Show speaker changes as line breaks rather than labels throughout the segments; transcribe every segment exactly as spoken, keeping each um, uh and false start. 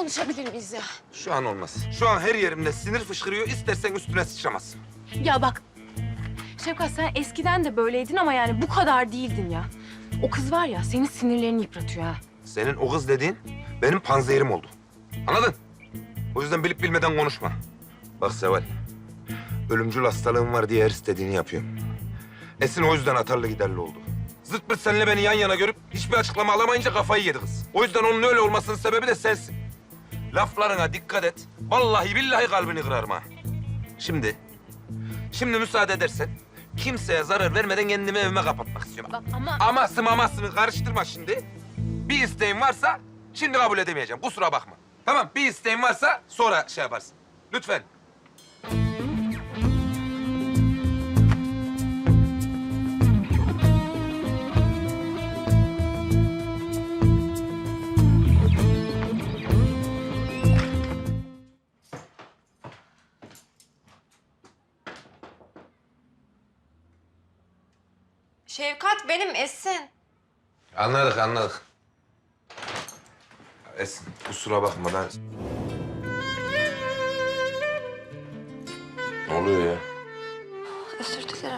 konuşabilir miyiz ya?
Şu an olmaz. Şu an her yerimde sinir fışkırıyor. İstersen üstüne sıçramazsın.
Ya bak, Şefkat sen eskiden de böyleydin ama yani bu kadar değildin ya. O kız var ya, senin sinirlerini yıpratıyor ha.
Senin o kız dediğin benim panzehirim oldu. Anladın? O yüzden bilip bilmeden konuşma. Bak Seval, ölümcül hastalığım var diye her istediğini yapıyorum. Esin o yüzden atarlı giderli oldu. Zırt pırt seninle beni yan yana görüp hiçbir açıklama alamayınca kafayı yedi kız. O yüzden onun öyle olmasının sebebi de sensin. Laflarına dikkat et. Vallahi billahi kalbini kırarım ha. Şimdi, şimdi müsaade edersen kimseye zarar vermeden kendimi evime kapatmak istiyorum.
Bak ama...
Aması mamasını karıştırma şimdi. Bir isteğin varsa şimdi kabul edemeyeceğim. Kusura bakma. Tamam, bir isteğin varsa sonra şey yaparsın. Lütfen.
Şevkat benim Esin.
Anladık, anladık. Esin, kusura bakma ben... Ne oluyor ya?
Özür dilerim.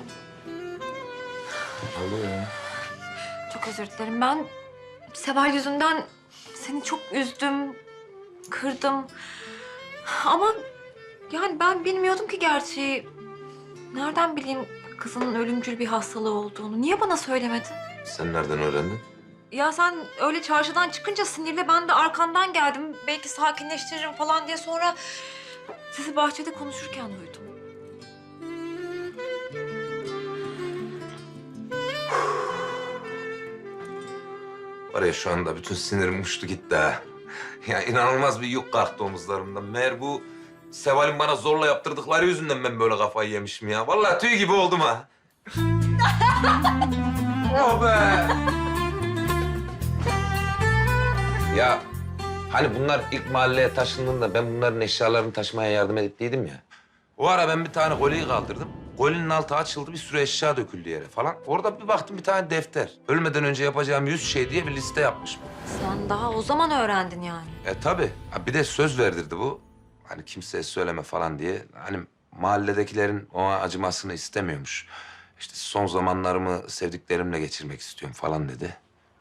Ne oluyor ya?
Çok özür dilerim. Ben Seval yüzünden seni çok üzdüm, kırdım. Ama yani ben bilmiyordum ki gerçeği. Nereden bileyim kızının ölümcül bir hastalığı olduğunu? Niye bana söylemedin?
Sen nereden öğrendin?
Ya sen öyle çarşıdan çıkınca sinirle ben de arkandan geldim. Belki sakinleştiririm falan diye sonra sizi bahçede konuşurken duydum.
Var ya şu anda bütün sinirim uçtu gitti ha. Ya inanılmaz bir yük kalktı omuzlarımdan. Meğer bu Seval'in bana zorla yaptırdıkları yüzünden ben böyle kafayı yemişim ya. Vallahi tüy gibi oldum ha. Oh be! Ya hani bunlar ilk mahalleye taşındığında ben bunların eşyalarını taşımaya yardım ettiydim ya. O ara ben bir tane kolyeyi kaldırdım. Kolyenin altı açıldı, bir sürü eşya döküldü yere falan. Orada bir baktım bir tane defter. Ölmeden önce yapacağım yüz şey diye bir liste yapmış bu.
Sen daha o zaman öğrendin yani.
E tabii. Ha, bir de söz verdirdi bu. Hani kimseye söyleme falan diye. Hani mahalledekilerin ona acımasını istemiyormuş. İşte son zamanlarımı sevdiklerimle geçirmek istiyorum falan dedi.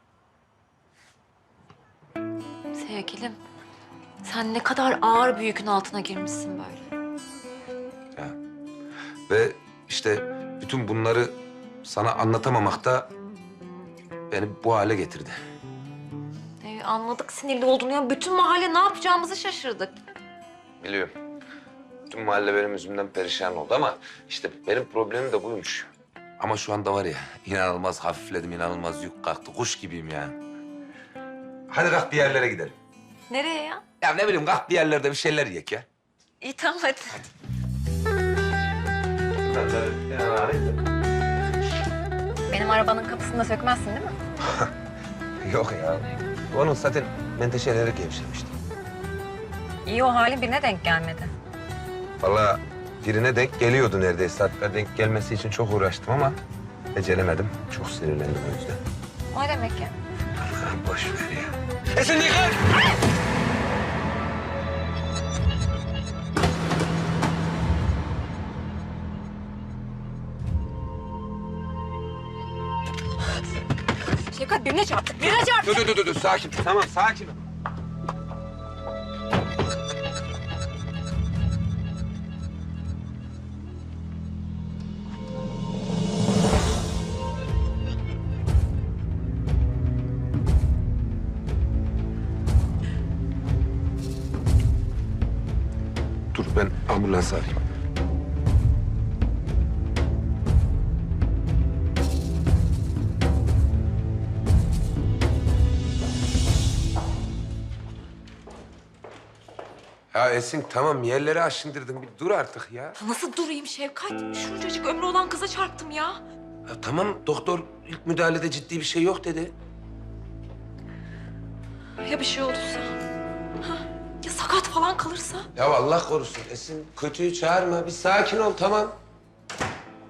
Sevgilim, sen ne kadar ağır bir yükün altına girmişsin böyle.
Ya. Ve işte bütün bunları sana anlatamamak da beni bu hale getirdi.
Ee, anladık sinirli olduğunu ya. Bütün mahalle ne yapacağımızı şaşırdık.
Biliyorum. Bütün mahalle benim yüzümden perişan oldu ama işte benim problemim de buymuş. Ama şu anda var ya inanılmaz hafifledim, inanılmaz yük kalktı. Kuş gibiyim ya. Hadi kalk bir yerlere gidelim.
Nereye ya?
Ya ne bileyim kalk bir yerlerde bir şeyler yiyek ya.
İyi tamam hadi.
Ben de yani arayayım da.
Benim arabanın kapısını da sökmezsin değil mi?
Yok ya. Onun zaten menteşeleri gevşemişti.
İyi o halin birine denk gelmedi.
Vallahi birine denk geliyordu neredeyse. Hatta denk gelmesi için çok uğraştım ama beceremedim. Çok sinirlendim o yüzden.
O ne demek ya?
Boş ver ya. Esin dikkat!
Şevkat birine çarptık, birine çarptık.
Dur dur dur dur sakin. Tamam sakin ol. Dur ben ambulans arayayım. Ya Esin tamam yerleri aşındırdın. Bir dur artık ya.
Nasıl durayım Şevkat? Şuncacık ömrü olan kıza çarptım ya.
Ya tamam doktor ilk müdahalede ciddi bir şey yok dedi.
Ya bir şey olursa? Ha? Ya sakat falan kalırsa?
Ya Allah korusun Esin kötüyü çağırma. Bir sakin ol tamam.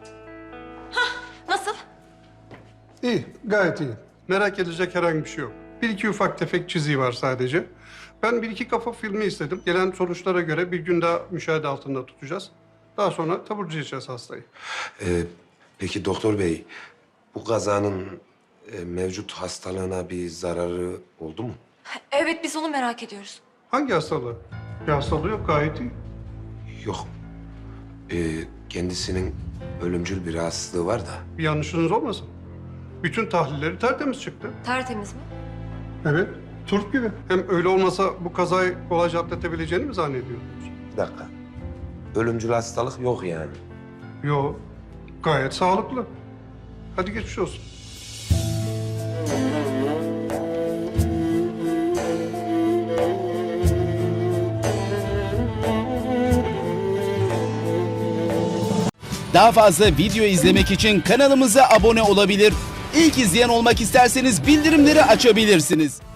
Nasıl?
İyi, gayet iyi. Merak edecek herhangi bir şey yok. Bir iki ufak tefek çiziği var sadece. Ben bir iki kafa filmi istedim. Gelen sonuçlara göre bir gün daha müşahede altında tutacağız. Daha sonra taburcu edeceğiz hastayı.
Ee, peki doktor bey, bu kazanın e, mevcut hastalığına bir zararı oldu mu?
Evet, biz onu merak ediyoruz.
Hangi hastalığı? Bir hastalığı yok, gayet iyi.
Yok. Ee, kendisinin ölümcül bir rahatsızlığı var da.
Bir yanlışınız olmasın. Bütün tahlilleri tertemiz çıktı.
Tertemiz mi?
Evet, turp gibi. Hem öyle olmasa bu kazayı kolayca atlatabileceğini mi zannediyordunuz?
Bir dakika. Ölümcül hastalık yok yani.
Yok, gayet sağlıklı. Hadi geçmiş olsun.
Daha fazla video izlemek için kanalımıza abone olabilir. İlk izleyen olmak isterseniz bildirimleri açabilirsiniz.